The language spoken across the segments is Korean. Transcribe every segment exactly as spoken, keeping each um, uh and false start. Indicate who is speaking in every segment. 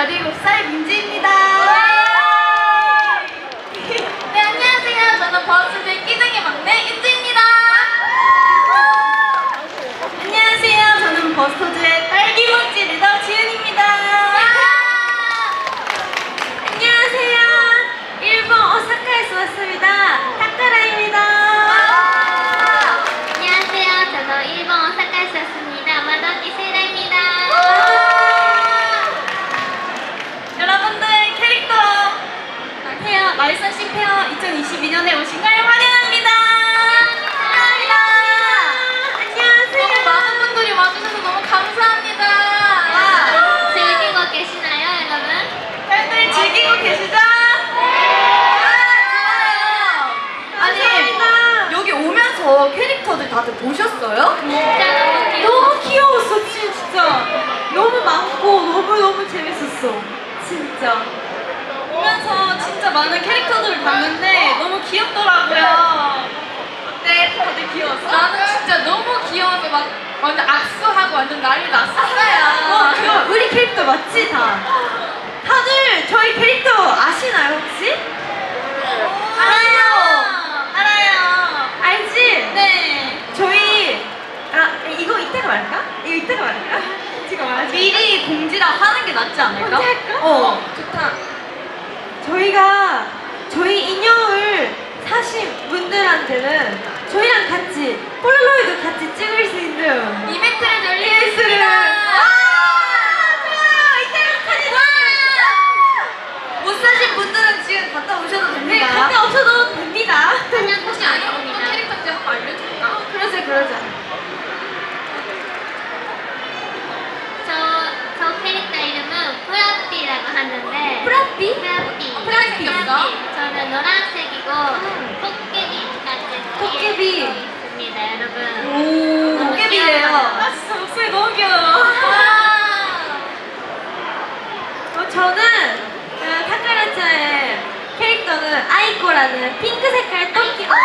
Speaker 1: 열일곱 살 민지입니다.
Speaker 2: 네, 안녕하세요. 저는 버스의 끼둥이 막내 윤지입니다.
Speaker 1: 안녕하세요. 저는 버스터즈의 딸기모찌 리더 지은입니다. 안녕하세요. 일본 오사카에서 왔습니다. 타카라입니다.
Speaker 2: 안녕하세요. 저는 일본 오사카에서 왔습니다. 마도키 세라입니다.
Speaker 1: 여러분들 캐릭터 페어 말선식 페어 이천이십이 년에 오신 걸 환영합니다. 환영합니다. 안녕하세요.
Speaker 2: 너무 많은 분들이 와주셔서 너무 감사합니다.
Speaker 1: 와.
Speaker 2: 즐기고 계시나요, 여러분?
Speaker 1: 팬들 즐기고 계시죠? 아니 여기 오면서 캐릭터들 다들 보셨어요?
Speaker 2: 진짜 너무 귀여워.
Speaker 1: 너무 귀여웠어 진짜. 너무 많고 너무너무 재밌었어 진짜. 오면서 진짜 많은 캐릭터들을 봤는데 너무 귀엽더라고요. 어때? 다들 귀여웠어?
Speaker 2: 나는 진짜 너무 귀여워서 막 완전 악수하고 완전 난리 났었어요.
Speaker 1: 어, 그거 우리 캐릭터 맞지 다? 다들 저희 캐릭터 아시나요 혹시? 알아요. 알아요. 알지?
Speaker 2: 네.
Speaker 1: 저희 아 이거 이따가 말할까? 이거 이따가 말할까? 지금 말하지. 미리 공지랑 하는 게 낫지 않을까?
Speaker 2: 공지 할까?
Speaker 1: 어.
Speaker 2: 좋다.
Speaker 1: 저희가 저희 인형을 사신 분들한테는 저희랑 같이 폴라로이드 같이 찍을 수 있는
Speaker 2: 이벤트를
Speaker 1: 이벤트를
Speaker 2: 열리겠습니다.
Speaker 1: 아 좋아요. 이따가 사진 못 사신 분들은 지금 갔다 오셔도 됩니다. 네, 갔다 오셔도 됩니다.
Speaker 2: 그냥 혹시 아니면 어떤 캐릭터인지 한번 알려줄까?
Speaker 1: 그러자 그러자.
Speaker 2: 저, 저 캐릭터 이름은 프라띠라고 하는데
Speaker 1: 프라띠?
Speaker 2: 프라띠
Speaker 1: 프라띠 생겼어?
Speaker 2: 저는 노란색이고 토끼비까지
Speaker 1: 토끼비.
Speaker 2: 있습니다, 여러분.
Speaker 1: 오,
Speaker 2: 너무
Speaker 1: 도깨비래요.
Speaker 2: 귀여워요.
Speaker 1: 아, 진짜 목소리 너무 귀여워. 어, 저는 그 타카라차의 캐릭터는 아이코라는 핑크 색깔 토끼. 아,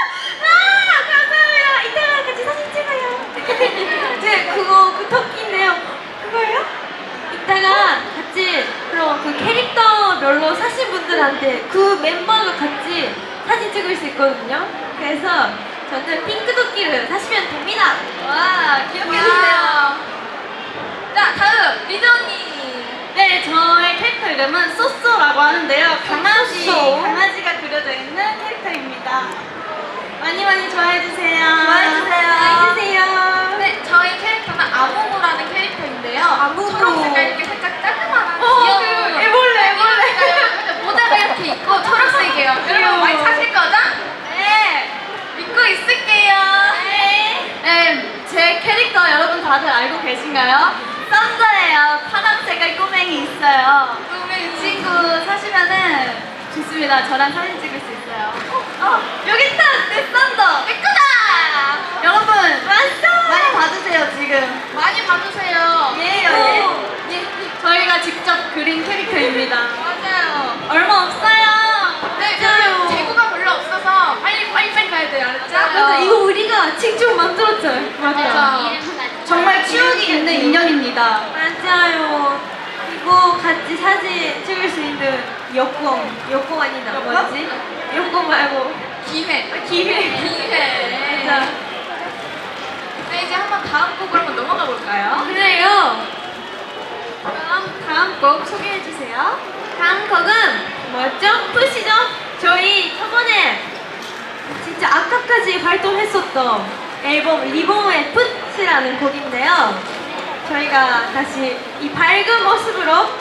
Speaker 1: 아, 감사합니다. 이따가 같이 사진 찍어요. 이제 그거 그 토끼인데요. 그거예요? 이따가 같이 그럼 그 캐릭터별로 사신 분들한테 그 멤버가 같이 사진 찍을 수 있거든요. 그래서 저는 핑크 토끼를 사시면 됩니다. 와, 기억해주세요.
Speaker 2: 자, 다음 리드 언니.
Speaker 1: 네, 저의 캐릭터 이름은 쏘쏘라고 하는데요. 강아지,
Speaker 2: 쏘쏘.
Speaker 1: 강아지가 그려져 있는 캐릭터입니다. 많이 많이 좋아해주세요.
Speaker 2: 좋아해주세요.
Speaker 1: 좋아해주세요.
Speaker 2: 네, 저희 캐릭터는 아무무라는 캐릭터인데요.
Speaker 1: 아무무.
Speaker 2: 초록색깔 이렇게 살짝 짜그마한
Speaker 1: 어,
Speaker 2: 귀여운
Speaker 1: 그 애벌레, 애벌레.
Speaker 2: 모자가 이렇게 있고 초록색이에요.
Speaker 1: 귀여워.
Speaker 2: 여러분 많이 사실 거죠?
Speaker 1: 네.
Speaker 2: 믿고 있을게요.
Speaker 1: 네. 네, 제 캐릭터 여러분 다들 알고 계신가요? 썬더예요. 파란 색깔 꼬맹이 있어요.
Speaker 2: 꿈의
Speaker 1: 이 친구 사시면은 좋습니다. 저랑 사진 찍을 수 있어요. 어, 여기 있다! 내 썬더!
Speaker 2: 내 거다!
Speaker 1: 여러분, 왔어! 많이 봐주세요, 지금.
Speaker 2: 많이 봐주세요.
Speaker 1: 예요,
Speaker 2: 오,
Speaker 1: 예. 예. 저희가 직접 그린 캐릭터입니다.
Speaker 2: 맞아요.
Speaker 1: 얼마 없어요.
Speaker 2: 네,
Speaker 1: 맞아요.
Speaker 2: 근데 재고가 별로 없어서 빨리 빨리 빨리 가야 돼요. 알았죠?
Speaker 1: 맞아, 이거 우리가 직접 만들었죠.
Speaker 2: 맞아.
Speaker 1: 정말 추억이 있는 인형입니다. 맞아요. 이거 같이 사진 찍을 수 있는 여권, 여권 아니다. 뭐지? 여권 말고
Speaker 2: 기회.
Speaker 1: 아, 기회.
Speaker 2: 기회.
Speaker 1: 맞아.
Speaker 2: 네, 이제 한번 다음 곡으로 한번 넘어가 볼까요?
Speaker 1: 그래요. 그럼 다음 곡 소개해 주세요. 다음 곡은 뭐였죠? 푸시죠? 저희 저번에 진짜 아까까지 발동했었던 앨범 리본의 풋이라는 곡인데요. 저희가 다시 이 밝은 모습으로